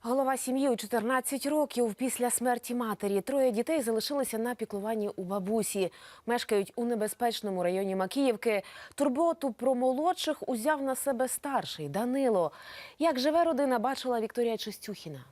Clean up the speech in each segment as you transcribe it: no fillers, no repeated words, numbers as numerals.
Голова сім'ї у 14 років після смерті матері. Троє дітей залишилися на піклуванні у бабусі. Мешкають у небезпечному районі Макіївки. Турботу про молодших узяв на себе старший Данило. Як живе родина, бачила Вікторія Чистюхіна.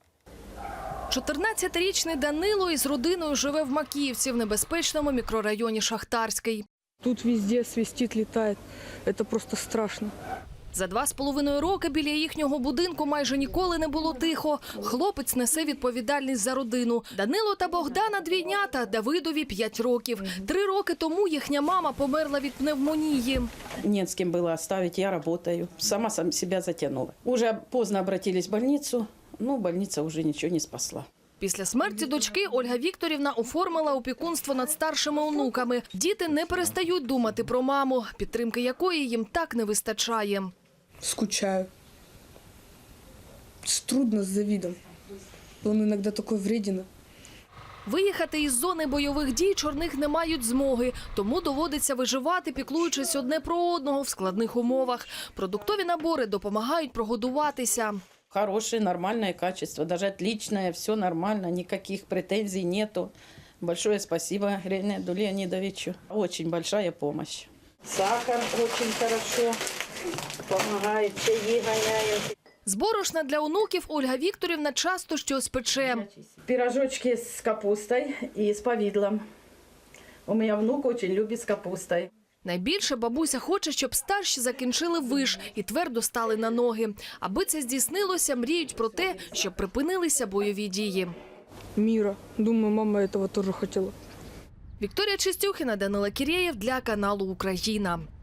14-річний Данило із родиною живе в Макіївці в небезпечному мікрорайоні Шахтарський. Тут везде свистит, летает. Это просто страшно. За 2,5 роки біля їхнього будинку майже ніколи не було тихо. Хлопець несе відповідальність за родину. Данило та Богдана – двійнята, Давидові – 5 років. 3 роки тому їхня мама померла від пневмонії. Не с кем было оставить, я работаю. Сама себя затянула. Уже поздно обратились в больницу, но больница уже ничего не спасла. Після смерті дочки Ольга Вікторівна оформила опікунство над старшими онуками. Діти не перестають думати про маму, підтримки якої їм так не вистачає. Скучаю. Трудно с Давидом. Он иногда такой вреден. Виїхати із зони бойових дій чорних не мають змоги, тому доводиться виживати, піклуючись одне про одного в складних умовах. Продуктові набори допомагають прогодуватися. Хорошее, нормальное качество, даже отличное, все нормально, никаких претензий нету. Большое спасибо Леониду Леонидовичу. Очень большая помощь. Сахар очень хорошо помогает, чаи гоняют. З борошна для онуків Ольга Вікторівна часто щось пече. Пирожочки с капустой и с повидлом. У меня внук очень любит с капустой. Найбільше бабуся хоче, щоб старші закінчили виш і твердо стали на ноги. Аби це здійснилося, мріють про те, щоб припинилися бойові дії. Мира. Думаю, мама этого тоже хотела. Вікторія Чистюхіна, Данило Кірєєв для каналу «Україна».